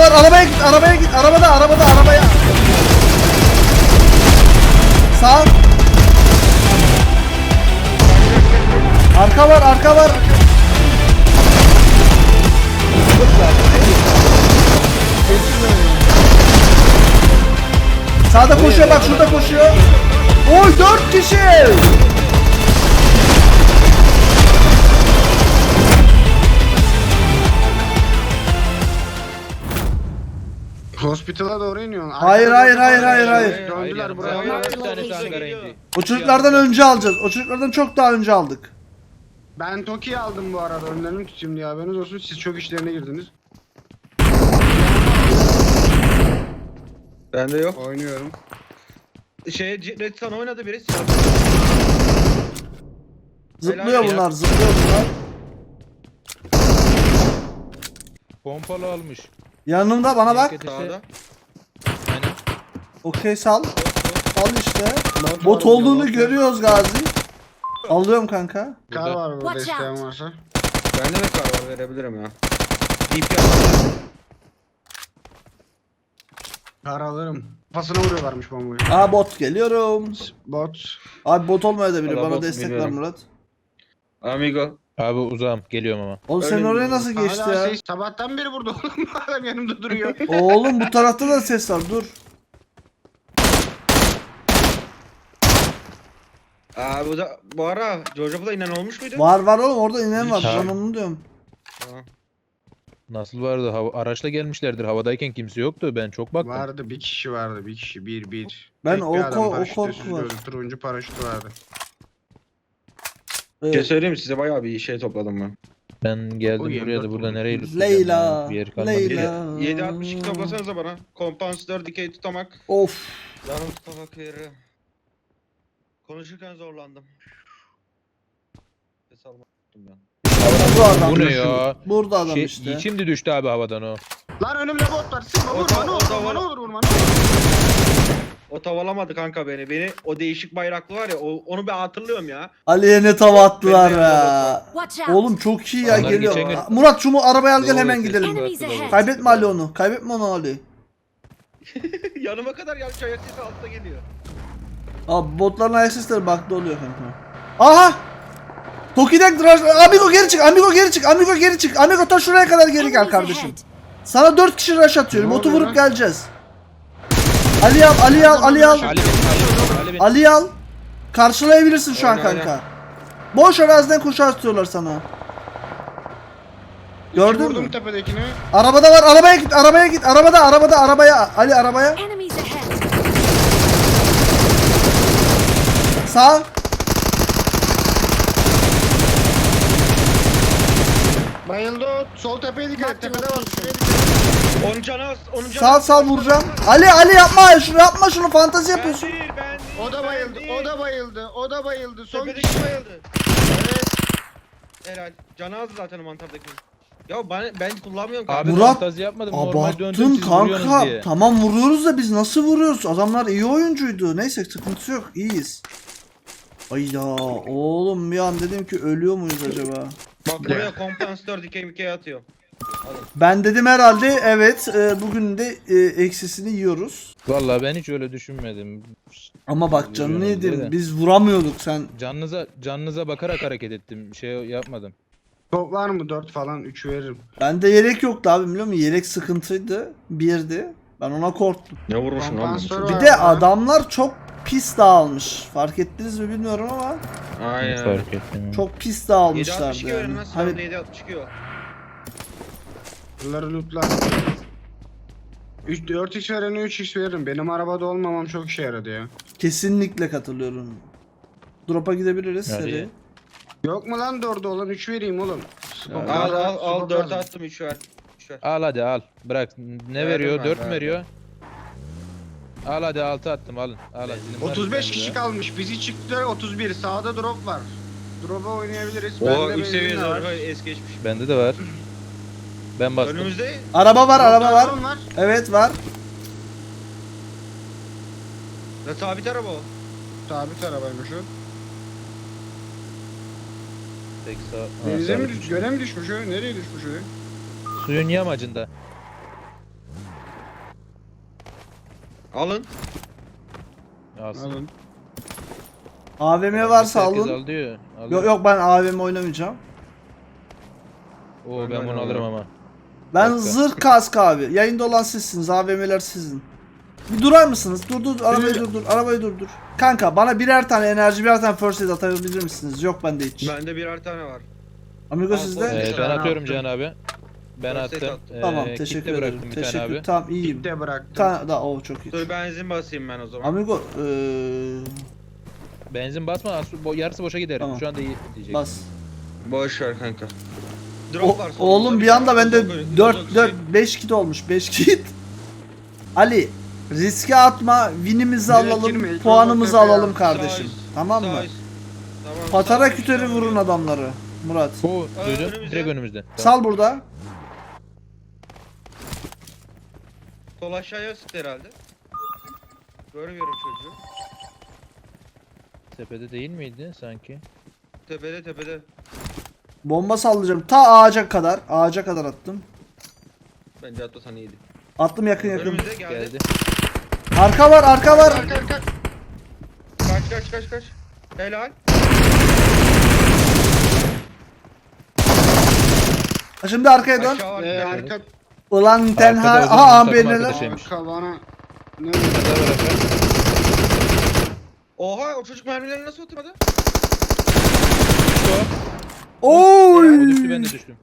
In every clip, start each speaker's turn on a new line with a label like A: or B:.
A: var. Arabaya git, arabaya git. Arabaya. Sağ. Arka var. Sağda koşuyor bak, şurada koşuyor. Oy 4 kişi.
B: Hospital'a doğru iniyorsun.
A: Hayır.
B: Döndüler buraya.
C: Bir tanesi hangara indi.
A: O çocuklardan önce alacağız. O çocuklardan çok daha önce aldık.
B: Ben Toki'yi aldım bu arada. Önlerimi tutayım diye haberiniz olsun. Siz çok işlerine girdiniz.
D: Bende yok.
B: Oynuyorum.
D: Red Sun oynadı biri.
A: Zıplıyor bunlar.
C: Pompalı almış.
A: Yanımda bana bak.
D: Sağda.
C: Aynen.
A: Okey sal. Sal işte. Bot olduğunu görüyoruz Gazi. Alıyorum kanka.
B: Kar var burada
E: Watch
B: isteyen
E: out.
B: varsa.
D: Bende de kar var, verebilirim ya. DP aldım.
B: Kar alırım. Kafasına vuruyorlarmış bombayı.
A: Aa bot geliyorum.
B: Bot.
A: Abi bot olmaya da bilir.
D: Valla
A: Bana
D: bot
A: destek ver
D: biliyorum.
A: Murat.
D: Amigo.
C: Abi uzağım. Geliyorum ama.
A: Oğlum sen
D: Öyle
A: oraya
D: mi?
A: nasıl geçti
B: Hala
A: ya?
B: sabahtan beri burada oğlum. Adam yanımda duruyor.
A: Oğlum bu tarafta da ses var. Dur.
D: Bu ara Georgia'da inen olmuş muydu?
A: Var oğlum, orada inen var.
C: Ha.
A: Ben onu diyorum.
D: Tamam.
C: Nasıl vardı? Araçla gelmişlerdir. Havadayken kimse yoktu. Ben çok baktım.
B: Vardı bir kişi vardı. Bir kişi. Bir.
A: Ben
B: Tek
A: o
B: bir adam,
A: ko- o
B: paraşütü
A: korku
B: üstsüz
A: var.
B: gözlü, turuncu paraşütü vardı.
D: Bir şey söyleyeyim mi? Size bayağı bir şey topladım ben.
C: Ben geldim
B: O
C: buraya da
B: 24
C: burada
B: oldu.
C: nereye lütfen
A: Leyla.
C: Bir yer kalmadı.
A: Leyla.
D: 7.62 toplasanıza bana. Kompansatör, dikey tutamak.
A: Of.
D: Canım tutamak yeri. Konuşurken zorlandım. Ses almak tuttum ben.
A: Bu adam.
C: Bu ne ya?
A: Burada adam işte.
C: Şimdi düştü abi havadan o.
B: Lan önümde bot var. Sıkma vurma ne olur vurma.
D: O tavalamadı kanka beni. O değişik bayraklı var ya, onu ben hatırlıyorum ya.
A: Ali'ye ne tava attılar
D: Ben de
A: ya.
E: Watch out.
A: Oğlum çok iyi ya,
C: Onlar
A: geliyor.
C: geçen gün-
A: Murat şu arabaya al gel,
C: Doğru,
A: hemen
C: kesin.
A: gidelim.
E: Enemies ahead.
A: Kaybetme Ali onu. Kaybetme onu Ali.
D: Yanıma kadar gelmiş, ayak sesi altta geliyor.
A: Abi botların ayak sesleri bug'da oluyor kanka. Aha! Toki'den Amigo geri çık. Amigo ta şuraya kadar geri gel
E: Enemies
A: kardeşim.
E: ahead.
A: Sana 4 kişi rush atıyorum.
B: Ne
A: Botu
B: oluyor
A: vurup
B: lan?
A: geleceğiz. Ali al. Ali al. Karşılayabilirsin şu an
D: Aynen,
A: kanka. Boş araziden koşu atıyorlar sana. Gördün
B: Vurdum
A: mü?
B: tepedekini.
A: Arabada var. Arabaya git. Arabaya. Ali arabaya.
E: Enemies ahead.
A: Sağ.
B: Bayıldı o. Sol tepeye dikkat et. Tepede var. Şuraya dikkat et.
D: Onun canı az.
A: Sağ vuracağım. Ali yapma şunu fantezi yapıyorsun.
D: Ben değil.
B: O da bayıldı. Son
D: Tepedeki
B: kişi.
D: bayıldı. Evet. Helal. Canı az zaten o mantardaki. Ya ben kullanmıyorum kanka.
C: Abi
A: Murat,
C: fantazi yapmadım. Normal döndüm
A: Abarttın
C: siz vuruyorsunuz
A: kanka.
C: diye.
A: Tamam vuruyoruz da biz nasıl vuruyoruz? Adamlar iyi oyuncuydu. Neyse sıkıntı yok. İyiyiz. Ay ya oğlum, bir an dedim ki ölüyor muyuz acaba?
D: Bak buraya kompansatör, dikey mikey atıyor.
A: Ben dedim herhalde evet, bugün de eksisini yiyoruz.
C: Vallahi ben hiç öyle düşünmedim.
A: Ama bak canını
C: Vuruyoruz diye
A: yedim.
C: de.
A: Biz vuramıyorduk sen.
C: Canınıza bakarak hareket ettim. Şey yapmadım.
B: Top var mı? 4 falan 3 veririm.
A: Bende yelek yoktu abi, biliyor musun? Yelek sıkıntıydı. Birdi. Ben ona korktum.
D: Ne vurmuşsun lan?
B: Kompansatör
A: Bir
B: var
A: de
B: mı?
A: adamlar çok pis dağılmış. Fark ettiniz mi bilmiyorum ama
D: Aynen.
C: Fark ettim.
A: çok pis
D: 7.62
A: dağılmışlardı
D: verin
A: yani.
D: lan.
A: Hani
D: Hani... 7.62 o.
B: Bunları lootlar. 4x verene 3x veririm. Benim arabada olmamam çok işe yaradı ya.
A: kesinlikle katılıyorum. Drop'a gidebiliriz
C: Hadi.
A: seri.
B: Yok mu lan 4'ü olan 3 vereyim oğlum.
D: Al 4 attım 3 ver. 3 ver.
C: Al hadi al. Bırak. Ne
D: Verdim
C: veriyor?
D: ben,
C: 4 mü
D: verdim.
C: veriyor? Al hadi 6 attım alın. Al hadi.
B: 35 kişi kalmış. Bizi çıktı 31. Sağda drop var. Drop'a oynayabiliriz.
D: O
B: Bende
D: 3 seviye
B: benzin var.
D: zırhı es geçmiş.
C: Bende de var. Ben bastım.
D: Önümüzde
A: Araba var.
B: Drone var.
A: Evet var.
D: ve sabit araba o.
B: Sabit arabaymış o.
C: Tek sağ. Ha,
B: Denize mi
C: sabit.
B: düş? Göle mi düşmüş o? Nereye düşmüş o?
C: Suyun yamacında.
D: Alın.
C: Alsın.
B: Alın.
A: AVM varsa
C: Herkes
A: alın.
C: al diyor. Al
A: Yok
C: diyor.
A: yok, ben AVM oynamayacağım.
C: Oo,
D: Ben
C: ben bunu
D: oynamam.
C: alırım ama.
A: Ben
C: Dakika.
A: zırh kask abi. Yayında olan sizsiniz. AVM'ler sizin. Bir durar mısınız? Dur arabayı durdur. Arabayı durdur. Kanka bana birer tane enerji, birer tane first aid atabilir misiniz? Yok bende hiç.
D: Bende birer tane var.
A: Amigo
D: Al,
A: sizde?
D: first
C: Ben
B: Ben
C: atıyorum
B: attım.
C: Can abi. Ben
D: First aid
C: attım.
D: attım.
A: Tamam
C: Kitle
A: teşekkür ederim.
C: bıraktım bir tane
A: Teşekkür.
C: abi.
A: Tamam iyiyim.
B: De bıraktım.
A: Bir tane daha çok iyi.
D: Dur benzin basayım ben o zaman.
A: Amigo
C: Benzin basma, yarısı boşa gider.
A: Tamam.
C: Şu anda iyi diyecek.
A: bas.
D: Boş ver kanka. Drop var solumuzda
A: Oğlum bir
D: tane.
A: anda bende
D: Uzak-
A: 4
D: uzak
A: 4
D: şey.
A: 5 kit olmuş. 5 kit. Ali riske atma, winimizi
B: Direkt
A: alalım,
B: girme, ilk
A: puanımızı
B: olarak
A: alalım
B: tepeye
A: kardeşim.
D: Sağ üst,
A: Tamam mı?
D: sağ üst. Tamam,
A: Patara
D: sağ
A: kütörü
D: üst,
A: vurun adamları. Murat.
C: Bu duydun.
D: önümüzde.
C: Direkt önümüzde.
A: Sal burada.
D: Sol aşağıya sıktı herhalde. Görmüyorum çocuğu.
C: Tepede değil miydi sanki?
D: Tepede tepede.
A: Bomba sallayacağım. Ta ağaca kadar. Ağaca kadar attım.
D: Bence atlasan iyiydi.
A: Attım yakın yakın.
D: Önümüzde geldi.
C: Geldi.
A: Arka var, arka var.
B: Arka arka.
D: Kaç. Helal.
A: Şimdi arkaya dön.
D: Aşağı var.
B: Arka.
A: Ulan tenha.
C: Arkada o zaman
A: Aha
C: takım
A: ambeneler.
C: arkadaşı. Şeymiş.
B: Arka bana. Ne?
D: Oha o çocuk mermileri nasıl oturmadı?
A: Oy.
C: O düştü, ben de düştüm.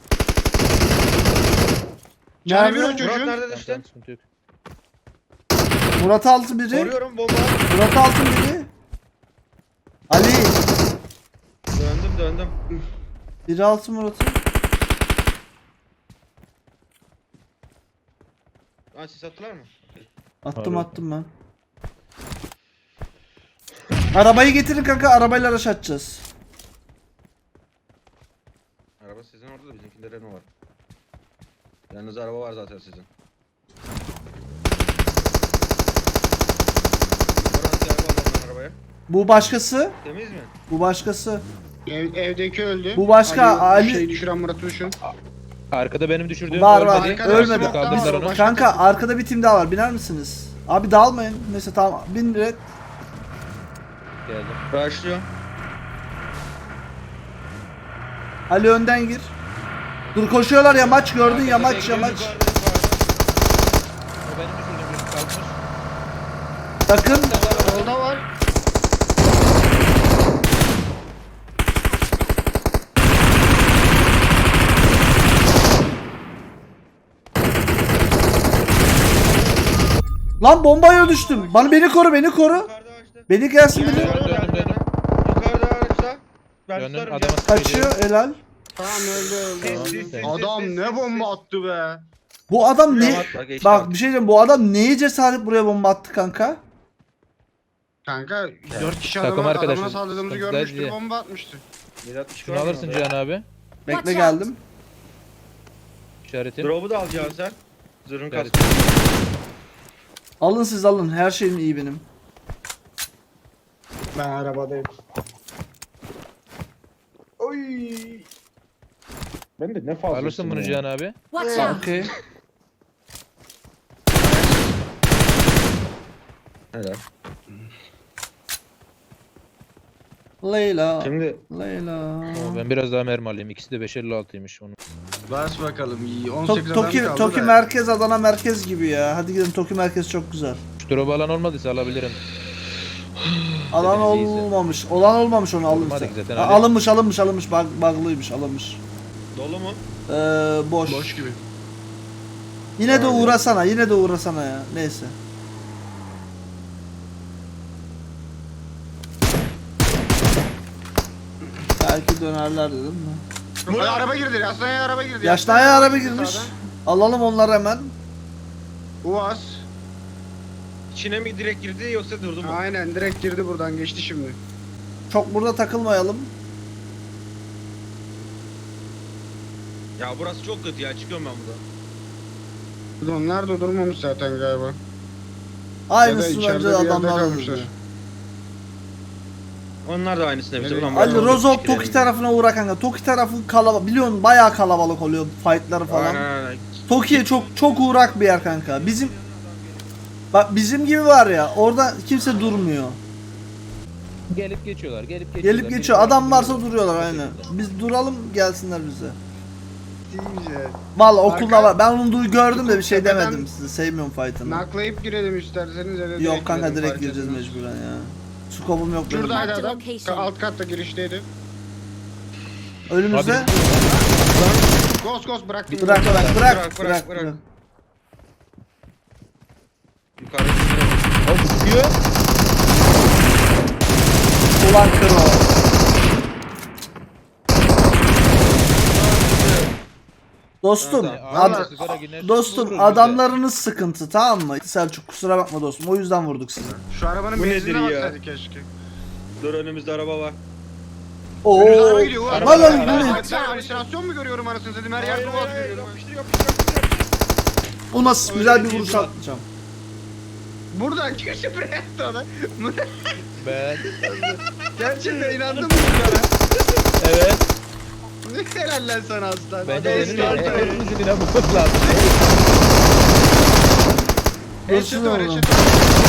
B: Canı bir
A: Nerede?
B: o
D: Murat
B: çocuğun.
D: nerede
C: Tamam,
D: düştü?
C: tamam, sıkıntı yok.
A: Murat altı biri.
D: Koruyorum bomba.
A: Murat altı biri. Ali.
D: Döndüm.
A: Biri altı Murat'ı.
D: Lan siz attılar mı?
A: Attım
C: Harbi.
A: attım ben. Arabayı getirin kanka, arabayla araç atacağız.
D: Araba sizin orada da bizimkinde Renault var. Yalnız araba var zaten sizin. Murat gel bakalım arabaya.
A: Bu başkası.
D: Temiz mi?
A: Bu başkası.
B: Evdeki öldü.
A: Bu başka, Ali-
B: Şey düşüren Murat'ı düşün.
C: Arkada benim düşürdüğüm
A: Var, var.
C: ölmedi.
A: Ölmedi.
C: Kaldırdılar onu.
B: Başka
A: Kanka arkada bir tim daha var, biner misiniz? Abi dağılmayın. Neyse tamam, bin direkt.
C: Geldim.
D: Başlıyor.
A: Ali önden gir. Dur koşuyorlar, yamaç gördün, yamaç.
C: O benim düşürdüğüm bir kalkmış.
A: Takım.
B: Solda var.
A: Lan bombaya düştüm. Beni koru, beni koru.
D: Yukarıda ağaçta.
A: Beni gelsin biri.
C: Döndüm.
D: Yukarıda ağaçta. Ben
C: Döndüm,
D: tutarım
C: adama
D: canım.
A: Kaçıyor helal.
B: Tamam öldü.
D: Sis.
B: Adam ne bomba attı be.
A: Bu adam ne?
D: Bak, geçti
A: Bak
D: abi.
A: bir şey diyeyim, bu adam neye cesaret buraya bomba attı kanka?
B: Kanka 4 kişi
C: Takım
B: adama,
C: arkadaşı.
B: adamına saldırdığımızı
C: Sıkıntıda
B: görmüştü,
C: diye.
B: bomba atmıştı.
C: Şunu alırsın Cihan abi.
A: Bekle geldim.
C: İşaretim.
D: Drop'u da alacaksın sen. Zırhın
C: Evet.
D: kaskı.
A: Alın siz alın. Her şeyim iyi benim.
B: Ben arabadayım. Oy. Ben de ne fazla.
C: Alırsın bunu Cihan abi.
E: Watch out!
A: Okey.
D: Helal.
A: Leyla.
D: Şimdi
A: Leyla.
C: Oo, ben biraz daha mermi alayım. İkisi de 556'ymış onun.
B: Bas bakalım iyi. 18 adam
A: Toki,
B: kaldı
A: Toki
B: da.
A: merkez, Adana merkez gibi ya. Hadi gidelim, Toki merkez çok güzel.
C: Şu drop alan olmadıysa alabilirim.
A: Alan
C: Temiz iyiyse.
A: olmamış. Olan olmamış, onu alın.
C: Olmadı
A: sen.
C: zaten,
A: Ha,
C: Ali.
A: alınmış. Bug'lıymış, alınmış.
D: dolu mu?
A: Boş.
B: Boş gibi.
A: Yine de
D: Abi.
A: uğrasana ya. Neyse. Belki dönerler dedim mi?
B: Ay, araba girdi. Yaşnaya araba girdi.
A: Yaşnaya araba girmiş.
B: Sağdan.
A: Alalım onları hemen.
B: Uaz.
D: İçine mi direkt girdi yoksa durdu mu?
B: Aynen direkt girdi buradan geçti şimdi.
A: Çok burada takılmayalım.
D: Ya burası çok kötü ya çıkıyorum ben buradan.
B: Onlar da durmamış zaten galiba.
A: Aynısını
B: içeride
A: bence
B: bir yerde
A: adamlar
B: kalmışlar.
A: alır.
D: Onlar da aynısını yapacak.
B: Evet.
D: Ulan
A: Ali
D: burası
A: Rozok
D: çok
A: Toki
D: küçük
A: tarafına uğra kanka. Toki tarafı kalabalık. Biliyorsun bayağı kalabalık oluyor fightları
D: yerim.
A: falan.
D: Aynen.
A: Toki'ye çok uğrak bir yer kanka. Bizim Bak bizim gibi var ya, orada kimse durmuyor.
C: Gelip geçiyorlar, gelip geçiyorlar.
A: Gelip geçiyor. Adam varsa duruyorlar aynen. Biz duralım, gelsinler bize.
B: Deyince.
A: Vallahi okulda
B: Arka-
A: var. Ben onu gördüm de bir şey
B: Tepeden-
A: demedim size. Sevmiyorum fight'ını.
B: Naklayıp girelim isterseniz ya da
A: Yok kanka
B: girelim,
A: direkt
B: fark
A: gireceğiz
B: etmez.
A: mecburen ya. Skopum yok benim.
B: Şuradaydı
E: Marked
B: adam.
E: location.
B: Alt katta girişteydi.
A: Önümüzde.
C: Abi-
B: Ghost bıraktım.
A: Bırak bırak bırak
D: Bırak,
A: bırak.
D: bırak. Yukarıda bir
C: O sıkıyor.
A: Ulan kro. Dostum,
D: Tamam,
A: ad-
C: Sigara gider,
A: dostum
C: vururuz
A: adamlarınız sıkıntı, tamam mı? Selçuk kusura bakma dostum. O yüzden vurduk sizi.
B: Şu arabanın
D: Bu
B: benzinine
D: nedir ya?
B: baksaydı keşke.
D: Dur, önümüzde araba var.
A: Oo.
B: Önümüzde araba gidiyor.
D: Araba,
A: Lan lan
D: araba,
A: bu ne?
D: araba.
B: Ben halüsinasyon mu görüyorum anasını satayım? Her yerde
D: Hayır,
B: boğaz
D: hayır,
B: görüyorum.
D: yapıştır.
A: O nasıl
D: Öyle
A: güzel bir
D: değil
A: vuruş
D: lan.
A: atacağım.
B: Buradan köşe buraya attı ona.
C: Ben.
B: Gerçekten inandın mı bunlara?
C: Evet.
B: Helal lan sana aslan.
C: Bence
B: Hadi
C: benim de
B: start ver.
C: hepimizin inanmamız lazım.
B: Headshot var,
A: Dursun
B: headshot var.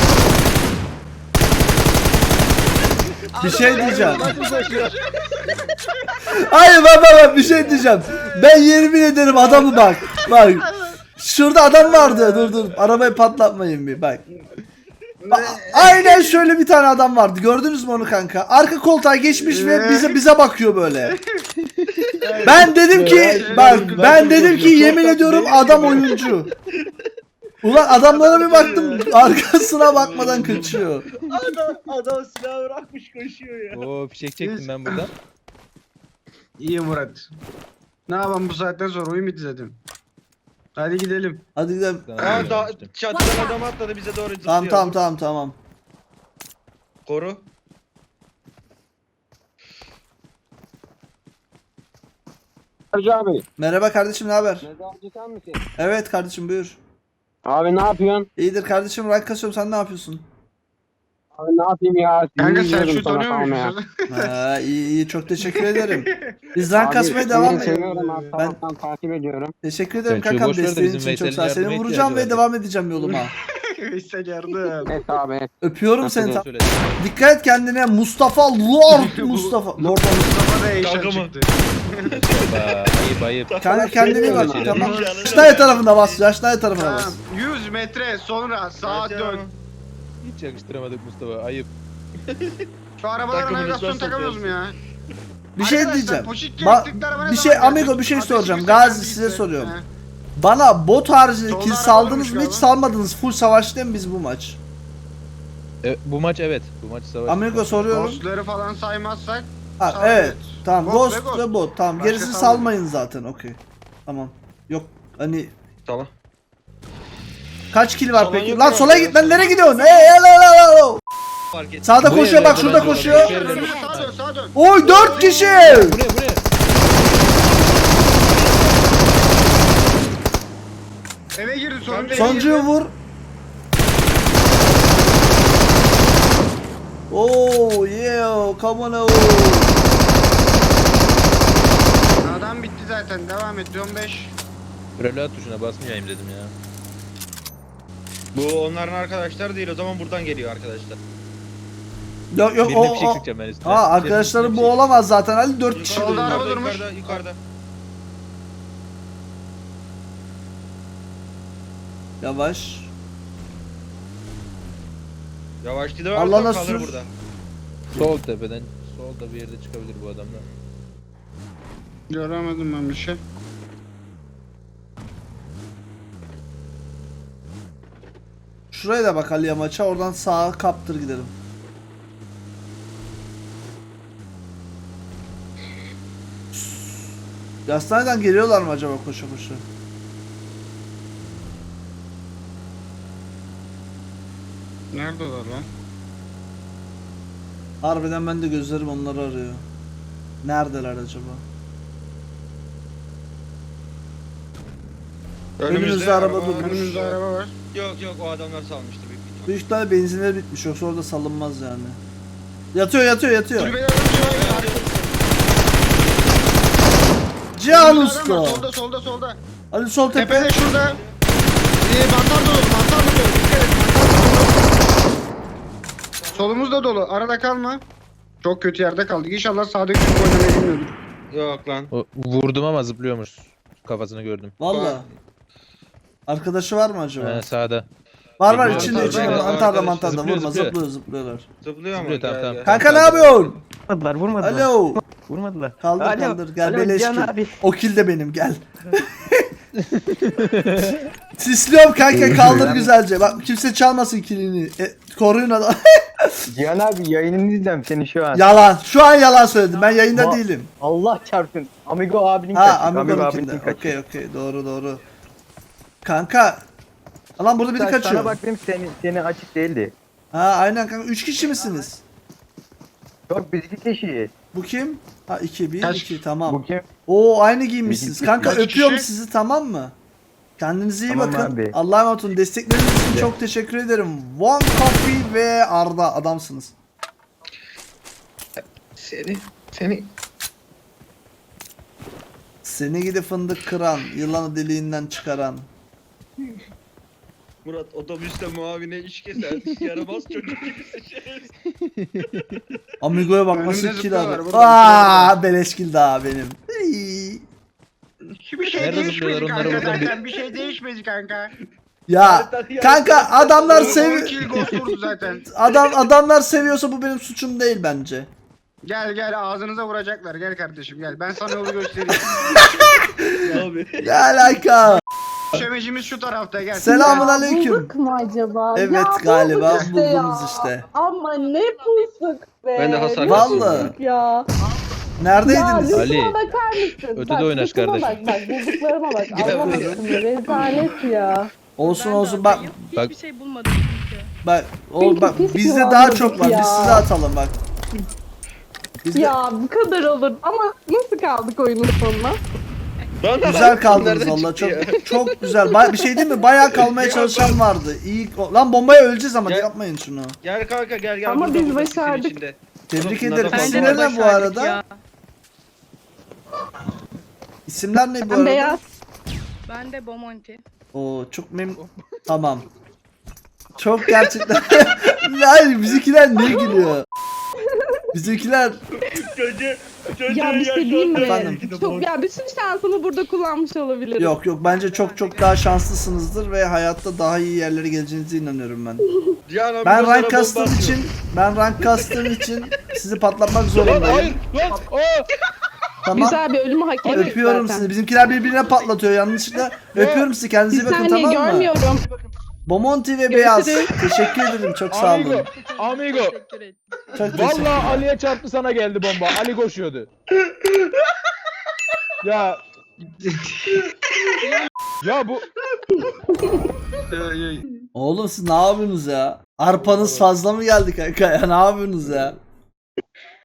A: Bir şey diyeceğim.
B: Nasıl koşuyor?
A: Hayır bak bir şey diyeceğim. Ben yemin ederim adamı bak. Bak. Şurada adam vardı. Dur. Arabayı patlatmayın bir bak. Aynen şöyle bir tane adam vardı. Gördünüz mü onu kanka? Arka koltuğa geçmiş ve bize bakıyor böyle. Ben dedim ki bak ben dedim ki yemin ediyorum adam oyuncu. Ulan adamlara bir baktım arkasına bakmadan kaçıyor.
D: Adam silahı bırakmış koşuyor ya.
C: Oo fişek çektim ben buradan.
B: İyi Murat. Ne yapalım bu saatten sonra oyun bitti zaten. Hadi gidelim.
A: Hadi gidelim.
D: Aa da çatıdan adam atladı bize doğru zıplıyor.
A: Tamam.
D: Koru.
F: Hacı abi.
A: Merhaba kardeşim, ne haber?
F: Mezarcı sen misin?
A: Evet kardeşim buyur.
F: Abi ne yapıyorsun?
A: İyidir kardeşim, rank kasıyorum, sen ne yapıyorsun?
F: Abi ne yapayım ya?
B: Kanka
F: Sinir
B: sen
F: ediyorum
B: şu
F: sana
B: tanıyormuşsun.
F: tamam ya.
A: Ha, iyi çok teşekkür ederim. Biz rank
F: Abi,
A: kasmaya
F: seni
A: devam
F: seviyorum
A: ediyoruz.
F: abi.
A: Ben
F: Taraftan takip ediyorum.
A: teşekkür ederim
C: Selçuk'u
A: kankam,
C: boş ver de
A: desteğin
C: bizim
A: için çok sağ ol.
C: Veysel'in
A: Seni
C: yardıma
A: vuracağım ve
C: ihtiyacı
A: devam edeceğim yoluma.
B: Veysel yardım.
F: Evet abi.
A: Öpüyorum seni.
C: Doğru söyledin.
A: Dikkat et kendine Mustafa Lord Mustafa. Lord
B: Mustafa da eşen
D: Kanka mı?
B: çıktı.
C: Mustafa, ayıp.
A: Kanka kendine iyi bak.
C: Şeyler.
A: Tamam.
D: Canım.
A: Yaşnaya tarafına bas. Yaşnaya tarafına
B: Tamam.
A: bas.
B: 100 metre sonra sağa dön.
C: Hiç yakıştıramadık Mustafa, ayıp.
B: Şu arabalara
D: Takımınızdan
B: navigasyon takamıyoruz mu ya?
A: Bir şey
B: Arkadaşlar,
A: diyeceğim.
B: Poşik
A: Ba-
B: gerektikleri araba ne
A: bir
B: zaman
A: şey
B: gelecek?
A: amigo bir şey
B: Ateş
A: soracağım.
B: bir
A: Gazi
B: sefer
A: size
B: bitti.
A: soruyorum.
B: He.
A: Bana bot harcı
B: Solda
A: kill
B: araba
A: saldınız
B: varmış
A: mı hiç
B: galiba.
A: salmadınız. Full savaş değil mi biz bu maç?
C: Bu maç evet. Bu maç savaş.
A: Amigo soruyorum.
B: Ghostları falan saymazsak.
A: Ha,
B: Sağ
A: evet.
B: evet.
A: Tamam.
B: Ghost ve
A: Ghost
B: Ghost.
A: ve bot. Tamam.
B: Başka
A: Gerisi
B: salmayın.
A: salmayın zaten. Okey. Tamam. Yok hani
D: Tamam.
A: kaç kill var
D: Sola
A: peki?
D: yok
A: Lan
D: ya.
A: sola git lan, nereye gidiyorsun? Hey.
D: Fark et.
A: Sağda
C: Bu
A: koşuyor
C: evlerde
A: bak, şurada
C: bence
A: koşuyor.
C: olabilir.
B: Önümüze sağa dön sağa dön.
A: Oy 4 kişi.
C: Bu ne?
B: Eve girdi sonuncu.
A: Sonuncuyu vur. Oh yeah, come on oh.
B: Adam bitti zaten devam et 15.
C: Reload tuşuna basmayayım dedim ya.
D: Bu onların arkadaşlar değil, o zaman buradan geliyor arkadaşlar.
A: Yok
C: Birine
A: o
C: fişek
A: o.
C: sıkacağım ben üstüne.
A: Ha arkadaşlarım bu
C: Birine fişek.
A: olamaz zaten Ali 4 kişi.
B: Solda
A: dönüyor.
B: araba durmuş.
D: Yukarıda.
A: Yavaş.
D: Yavaş gidi
A: Allah'ına
D: varsa kalır
A: sür.
D: burada.
C: Sol tepeden, solda bir yerde çıkabilir bu adamlar.
B: Göremedim ben bir şey.
A: Şuraya da bak Ali'ye maça, oradan sağa kaptır gidelim. Yastaneden geliyorlar mı acaba koşa koşa?
B: Neredeler lan?
A: Harbiden ben de gözlerim onları arıyor. Neredeler acaba? Önümüzde araba durmuş.
B: Önümüzde araba var.
D: Yok o adamlar salmıştı büyük ihtimal.
A: Büyük ihtimalle benzinleri bitmiş, yoksa orada salınmaz yani. Yatıyor.
B: Kulübede adam var.
A: Cihan
B: Önümüzde
A: Usta.
B: adam var, solda.
A: Ali sol tepe.
B: Tepede şurada. Mantar dolu. Dikkat et, mantar dolu. Solumuz da dolu. Arada kalma. Çok kötü yerde kaldık. İnşallah sağdaki çocuk oynamayı bilmiyordur.
D: Yok lan.
C: Vurdum ama zıplıyormuş. Kafasını gördüm.
A: Valla. Arkadaşı var mı acaba?
C: Sağda.
A: Var var
C: Zıplıyor,
A: içinde
C: zıplıyor.
A: mantarda
D: Arkadaş,
A: vurma
C: zıplıyor.
A: zıplıyorlar.
D: Zıplıyor ama.
C: Zıplıyor, tamam,
D: Gel,
C: tamam.
D: gel.
A: Kanka ne yapıyorsun?
E: Vurmadılar, vurmadılar.
A: Alo.
E: Vurmadılar.
A: Kaldır
E: Alo,
A: kaldır gel
E: alo,
A: beleş
E: Cihan
A: kill.
E: abi.
A: O kill de benim gel. Sisliyorum kanka kaldır güzelce. Bak kimse çalmasın killini. Koruyun adam.
E: Cihan abi yayınını izliyorum seni şu an.
A: Yalan. Şu an yalan söyledim. Ben yayında
E: Va-
A: değilim.
E: Allah çarpsın. Amigo abinin
A: Ha
E: kaçtı.
A: Amigo'nunkinde. Okey doğru. Kanka. Lan burada biri
E: Sana
A: kaçıyor.
E: baktım seni açık değildi.
A: Ha aynen kanka 3 kişi misiniz?
E: Yok biz 2 kişiyiz.
A: Bu kim? Ha 2 1
B: Kaç?
A: 2 tamam.
E: Bu kim?
A: Oo aynı giymişsiniz.
E: Bizim-
A: Kanka
B: Kaç
A: öpüyorum
B: kişi?
A: sizi tamam mı? Kendinize iyi
E: Tamam
A: bakın.
E: abi.
A: Allah'a emanet olun. Destekleriniz için çok teşekkür ederim. One Coffee ve Arda adamsınız.
D: Seni.
A: Seni gidi fındık kıran, yılanı deliğinden çıkaran.
D: Murat otobüste muavine iş keser. Yaramaz çocuk gibisin şerefsiz.
A: Amigo'ya bak
B: Önümde
A: nasıl kill
B: zıplıyorlar,
A: abi.
B: burada
A: Aaa beleş kill daha benim. İyi.
B: Bir şey
C: Nerede
B: değişmedi
C: zıplıyorlar? Onları
B: kanka
C: buradan
B: zaten. Bir şey değişmedi kanka.
A: Ya kanka adamlar
B: 10
A: sev
B: kill ghost vurdu zaten.
A: adamlar seviyorsa bu benim suçum değil bence.
B: Gel ağzınıza vuracaklar. Gel kardeşim gel. Ben sana yolu göstereyim.
D: Abi.
A: Ne alaka?
B: Şemecimiz şu tarafta gel.
A: Selamun
B: Gel.
A: aleyküm.
G: Bulduk mu acaba?
A: Evet
G: Ya
A: galiba
G: bulduk işte
A: buldunuz
G: ya.
A: işte.
G: Ama ne bulduk be.
D: Ben de hasar
G: Ne
A: Vallahi.
G: bulduk ya.
A: Neredeydiniz?
G: Ya
C: Ali,
G: lütfen bakar mısın?
C: ötede
G: Bak,
C: oynaş
G: lütfen
C: kardeşim.
G: Bak bulduklarıma bak.
D: Gel
G: Allah
D: buyurun.
G: aşkına rezalet ya.
A: Olsun bak
C: Bak-
H: Hiçbir şey bulmadım çünkü.
A: bak
G: Çünkü
A: bak
G: pis
A: bizde
G: bir
A: daha
G: varlık
A: çok var. Biz
G: ya.
A: size atalım bak. Bizde
G: Ya bu kadar olur ama nasıl kaldık oyunun sonuna?
A: güzel kaldınız
D: Nereden
A: valla
D: çıktı
A: çok
D: ya?
A: çok güzel. Bir şey değil mi? Bayağı kalmaya çalışan vardı. İyi. Lan bombaya öleceğiz ama
D: Gel.
A: yapmayın şunu.
D: Gel kanka gel.
G: Ama
D: Burada,
G: biz
D: burada, sisin
G: başardık.
D: içinde.
A: Tebrik
D: Bunlar
A: ederim.
D: da
H: Bence
A: İsimler
H: de
A: ne bu
H: başardık
A: arada?
H: ya.
A: İsimler ne bu
G: Ben
A: arada?
G: beyaz.
H: Ben de Bomonti.
A: Oo çok Tamam. Çok gerçekten. Hayır bizimkiler niye gülüyor? Bizimkiler
G: Ya bir şey diyeyim mi?
A: Efendim?
G: Çok ya bütün şansımı burada kullanmış olabilirim.
A: yok bence çok daha şanslısınızdır ve hayatta daha iyi yerlere geleceğinize inanıyorum ben.
D: Cihan abi
A: Ben
D: gözlere
A: rank
D: bomba
A: kastığım
D: atıyor.
A: için sizi patlatmak zorundayım. Tamam.
G: Güzel bir ölümü hak ettik
A: Öpüyorum
G: zaten.
A: sizi. Bizimkiler birbirine patlatıyor yanlışlıkla. Öpüyorum sizi. Kendinize
G: Bir
A: iyi bakın
G: saniye
A: tamam mı?
G: görmüyorum.
A: Bomonti ve Beyaz.
G: Görüşürüz.
A: Teşekkür ederim. Çok sağ olun.
C: Amigo.
H: Teşekkür ederim.
A: Çok teşekkür
C: Vallahi Ali'ye çarptı sana geldi bomba. Ali koşuyordu. Ya. Ya bu
A: Oğlum siz ne yapıyorsunuz ya? Arpanız fazla mı geldi kanka ya? Ne yapıyorsunuz ya?